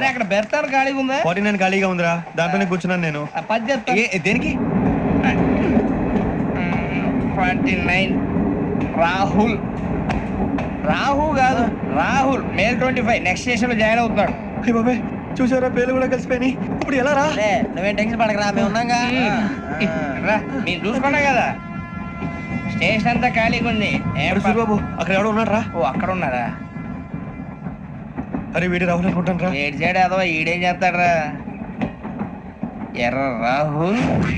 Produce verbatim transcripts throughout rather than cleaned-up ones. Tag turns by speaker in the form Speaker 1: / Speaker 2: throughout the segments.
Speaker 1: అరే అక్కడ బెర్తాను ఖాళీగా ఉందా?
Speaker 2: ఫార్టీ నైన్ ఖాళీగా ఉందిరా, దాంట్లోనే కూర్చున్నాను నేను.
Speaker 1: పది చెప్తా.
Speaker 2: ఏ, దేనికి?
Speaker 1: Forty nine Rahul. రాహు కాదు Rahul, May twenty five next station లో జాయిన్ అవుతున్నాడు.
Speaker 2: అయ్య బాబాయ్, చూసారా పేర్లు కూడా కలిసిపోయినాయి. ఇప్పుడు ఎలా రా?
Speaker 3: నువ్వేం టెన్షన్ పడకరా, మేము ఉన్నాగా.
Speaker 1: రా, మీరు చూసుకున్నా కదా స్టేషన్ అంతా ఖాళీగా ఉంది. ఏం
Speaker 2: అరే
Speaker 1: ప-
Speaker 2: సూరిబాబు, అక్కడ ఎవడో ఉన్నాడు రా.
Speaker 1: ఓ అక్కడ ఉన్నారా?
Speaker 2: అరే వీడి రాహుల్ అనుకుంటాను రా.
Speaker 1: ఏడు చేయడం అదో ఈడేం చేస్తాడరా? ఎర్ర రాహుల్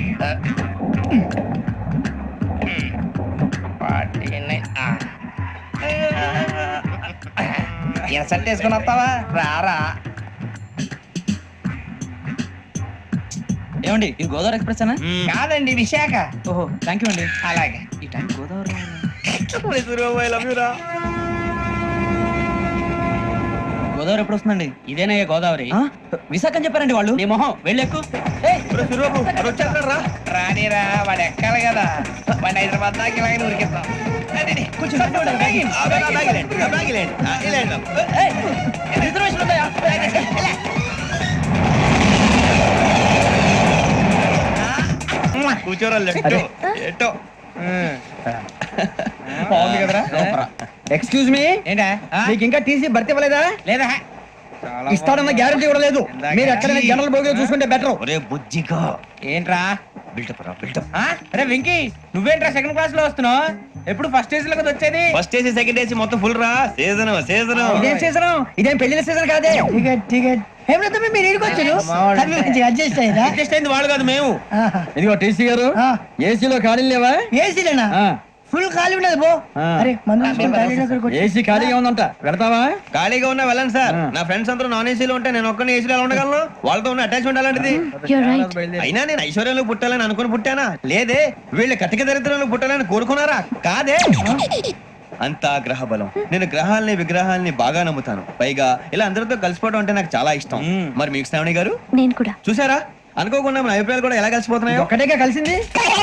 Speaker 1: ఇన్సర్ట్ వేసుకుని వస్తావా? రారా.
Speaker 3: ఏమండి ఇది గోదావరి ఎక్స్ప్రెస్ అనా?
Speaker 1: కాదండి విశాఖ.
Speaker 3: ఓహో థ్యాంక్ యూ అండి.
Speaker 1: అలాగే.
Speaker 3: ఈ time Godavari
Speaker 2: Suribabu, I love you రా.
Speaker 3: గోదావరి ఎప్పుడు వస్తుందండి?
Speaker 1: ఇదేనయ్య గోదావరి.
Speaker 3: ఆ? విశాఖ అని చెప్పారండి వాళ్ళు.
Speaker 1: నీ మొహం వెళ్ళెక్కు.
Speaker 2: అరే సూరిబాబు, అరే వచ్చేస్తాడు రా.
Speaker 1: రానిరా, వాడు ఎక్కాలి కదా. వాడిని హైదరాబాద్ దాకా ఇలాగే ఉరికిస్తాం.
Speaker 2: కొంచెం
Speaker 1: రిజర్వేషన్ ఉందా?
Speaker 2: కూర్చోరా. లెఫ్ట్ ఎటో.
Speaker 1: బాగుంది కదరా?
Speaker 3: ఎక్స్క్యూజ్ మీ,
Speaker 1: ఏంటా?
Speaker 3: మీకు ఇంకా టీసీ భర్తీ ఇవ్వలేదా?
Speaker 1: లేదా
Speaker 3: ఇస్తాడన్న గ్యారంటీ కూడా లేదు. మీరు ఎక్కడైనా జనరల్ బోగిలో చూసుకుంటే బెటర్.
Speaker 2: ఒరే బుజ్జిగా,
Speaker 1: ఏంట్రా?
Speaker 2: బిల్డప్ రా, బిల్డప్.
Speaker 1: ఆ? అరే వెంకీ, నువ్వేంట్రా సెకండ్ క్లాస్ లో వస్తున్నావు? ఎప్పుడు ఫస్ట్ ఏసీ లో కదా వచ్చేది?
Speaker 2: ఫస్ట్ ఏసీ సెకండ్ ఏసీ మొత్తం ఫుల్ రా. Season season.
Speaker 3: ఇదేం సీజన్? ఇదేం పెళ్లిన సీజన్ కాదే. టికెట్ టికెట్ ఏమిటో మీరు ఇరుకొచ్చారు. అడ్జస్ట్ అయ్యారా?
Speaker 1: అడ్జస్ట్ అయింది వాళ్ళు కాదు, మేము.
Speaker 3: ఇదిగో టీసీ గారు, ఏసీలో ఖాళీ లేవా? ఏసీలేనా? ఫుల్ ఖాళీ ఉండదు బో. అరే ఏసీ ఖాళీగా ఉందంట, వెళ్తావా?
Speaker 2: ఖాళీగా ఉన్నా వెళ్ళండి సార్. నా ఫ్రెండ్స్ అందరూ నాన్ ఏసీలో ఉంటే నేను ఒక్కనే ఏసీలో ఎలా ఉండగలను? వాళ్ళతో ఉన్న అటాచ్మెంట్ అలాంటిది. అయినా నేను ఐశ్వర్యంలో పుట్టాలని అనుకుని పుట్టానా? లేదే. వీళ్ళు కటిక దరిద్రంలో పుట్టాలని కోరుకున్నారా? కాదే. అంతా గ్రహ బలం. నేను గ్రహాలని విగ్రహాలని బాగా నమ్ముతాను. పైగా ఇలా అందరితో కలిసిపోవడం అంటే నాకు చాలా ఇష్టం. మరి మీకు శ్రావణి గారు?
Speaker 4: నేను కూడా.
Speaker 2: చూసారా, అనుకోకుండా మన అభిప్రాయాలు కూడా ఎలా కలిసిపోతున్నాయి.
Speaker 3: ఒక్కటేగా కలిసింది.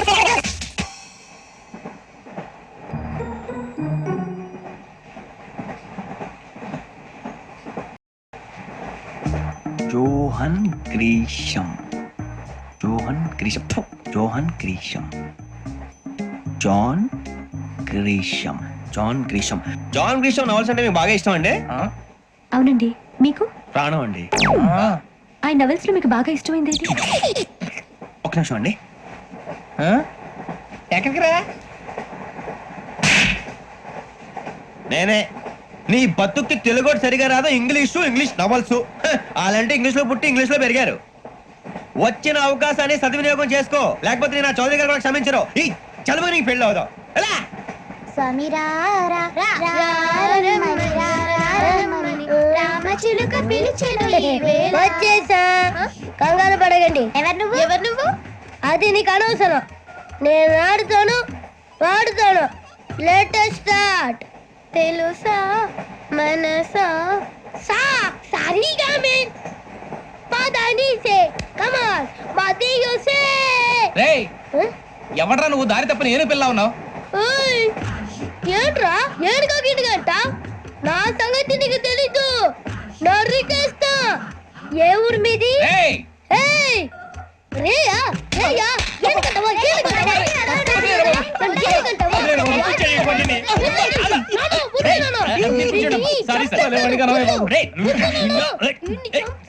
Speaker 2: జోహన్ గ్రీషం, జోహన్ గ్రీషం, ఫు, John Grisham, John Grisham, John Grisham. John Grisham novels అంటే మీకు బాగా ఇష్టం అండి?
Speaker 4: అవునండి. మీకు?
Speaker 2: ప్రాణం అండి.
Speaker 4: ఆ నవెల్స్ లో మీకు బాగా ఇష్టమైంది ఏది?
Speaker 2: ఒక నిమిషం అండి.
Speaker 1: ఎక్కడికి రా?
Speaker 2: నేనే. నీ బతుక్కి తెలుగు సరిగా రాదు, ఇంగ్లీషు ఇంగ్లీష్ నవల్స్. అలాంటి ఇంగ్లీష్ లో పుట్టి ఇంగ్లీష్ లో పెరిగారు. వచ్చిన అవకాశాన్ని సద్వినియోగం చేసుకో, లేకపోతే నేను నా చౌదరి గారు కూడా క్షమించరు. ఈ చదువు నీకు పెళ్ళి అవుదాం. ఎలా?
Speaker 5: వచ్చేసా, కంగారు పడగండి. ఎవరు నువ్వు? ఎవరు నువ్వు? అది నీకు అనవసరం. నేను ఆడుతాను, వాడుతాను. Latest start. తెలుసా మనసా సా సారీగా మే పదని సే కమాన్ మదియో సే.
Speaker 1: రేయ్, ఎవడ్రా నువ్వు? దారి తప్ప నేను పిల్ల ఉన్నావు.
Speaker 5: ఓయ్ ఏంట్రా ఏడుగా గిడుగంట? నా సంగతి నీకు తెలీదు. నరికేస్తా. ఏ ఊరు మీది?
Speaker 1: రేయ్,
Speaker 5: ఏయ్ రేయా రేయా ఏడుగంటవా ఏడుగంటవా ఏడుగంటవా
Speaker 1: సారీ సార్.